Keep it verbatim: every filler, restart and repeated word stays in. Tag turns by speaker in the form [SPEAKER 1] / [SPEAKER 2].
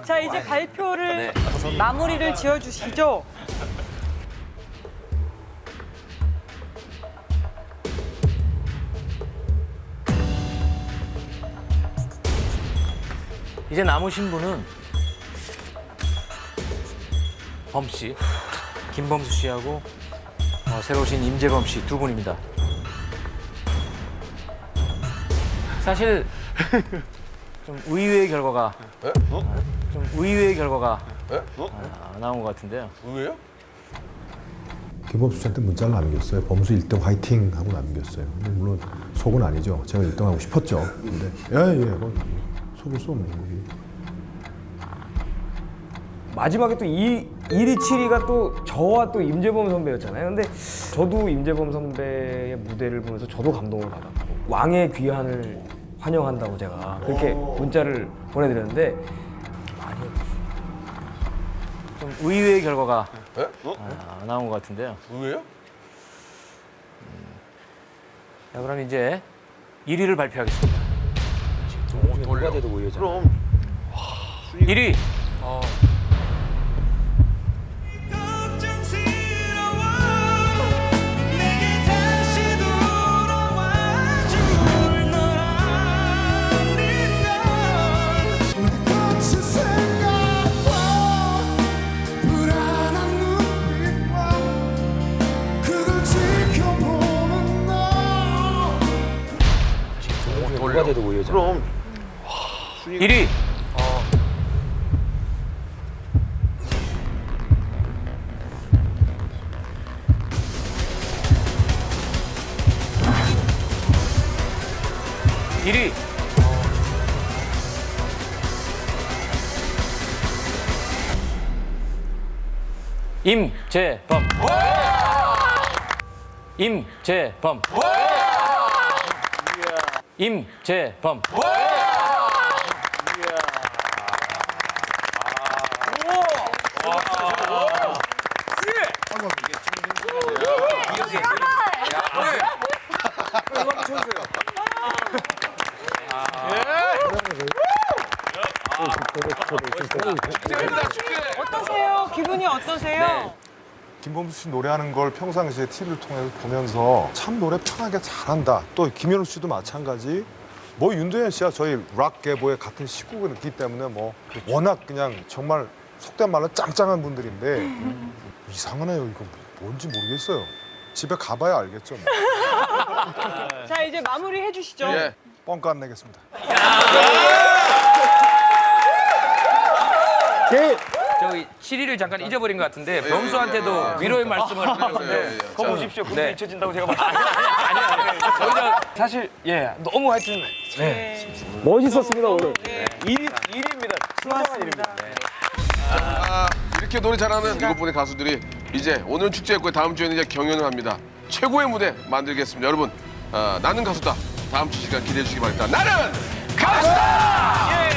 [SPEAKER 1] 자, 이제 발표를
[SPEAKER 2] 네.
[SPEAKER 1] 마무리를 지어주시죠.
[SPEAKER 2] 이제 남으신 분은 범 씨, 김범수 씨하고 어, 새로 오신 임재범 씨 두 분입니다. 사실 좀 의외의 결과가 좀 의외의 결과가 아, 나온 것 같은데요.
[SPEAKER 3] 왜요?
[SPEAKER 4] 김범수 씨한테 문자를 남겼어요. 범수 일 등 화이팅 하고 남겼어요. 근데 물론 속은 아니죠. 제가 일 등 하고 싶었죠. 근데 예예 뭐 속을 수 없는 거지.
[SPEAKER 5] 마지막에 또 이, 일 위, 칠 위가 또 저와 또 임재범 선배였잖아요. 근데 저도 임재범 선배의 무대를 보면서 저도 감동을 받았고 왕의 귀환을 환영한다고 제가 그렇게 문자를 보내드렸는데
[SPEAKER 2] 많이 좀 의외의 결과가
[SPEAKER 3] 에? 어?
[SPEAKER 2] 아, 나온 것 같은데요.
[SPEAKER 3] 왜요?
[SPEAKER 2] 자, 그럼 이제 일 위를 발표하겠습니다.
[SPEAKER 3] 누가 돼도 우회잖아. 그럼
[SPEAKER 2] 일 위
[SPEAKER 3] 누가 돼도 우회잖아. 그럼
[SPEAKER 2] 일 위 일 위 임재범 임재범 임재범
[SPEAKER 1] 어떠세요? 기분이 어떠세요?
[SPEAKER 4] 김범수 씨 노래하는 걸 평상시에 티비를 통해서 보면서 참 노래 편하게 잘한다. 또 김현우 씨도 마찬가지. 뭐 윤도현 씨야 저희 락 계보의 같은 식구이기 때문에 뭐 워낙 그냥 정말 속된 말로 짱짱한 분들인데 이상하네요. 이거 뭔지 모르겠어요. 집에 가봐야 알겠죠. 뭐.
[SPEAKER 1] 자, 이제 마무리 해주시죠.
[SPEAKER 3] 예.
[SPEAKER 4] 뻥까 안 내겠습니다.
[SPEAKER 2] 저기 칠 위를 잠깐 잊어버린 것 같은데 범수한테도 위로의 말씀을 하는데
[SPEAKER 5] 거 보십시오. 금세
[SPEAKER 2] 네.
[SPEAKER 5] 잊혀진다고 제가 말했어요.
[SPEAKER 2] 저희가
[SPEAKER 5] 사실 예 너무 하여튼 네. 멋있었습니다 오늘. 일 위, 일 위입니다.
[SPEAKER 1] 좋았습니다.
[SPEAKER 3] 아, 이렇게 노래 잘하는 일곱 분의 가수들이 이제 오늘 축제였고 다음 주에는 이제 경연을 합니다. 최고의 무대 만들겠습니다. 여러분, 아, 나는 가수다. 다음 주 시간 기대해 주시기 바랍니다. 나는 가수다! 예!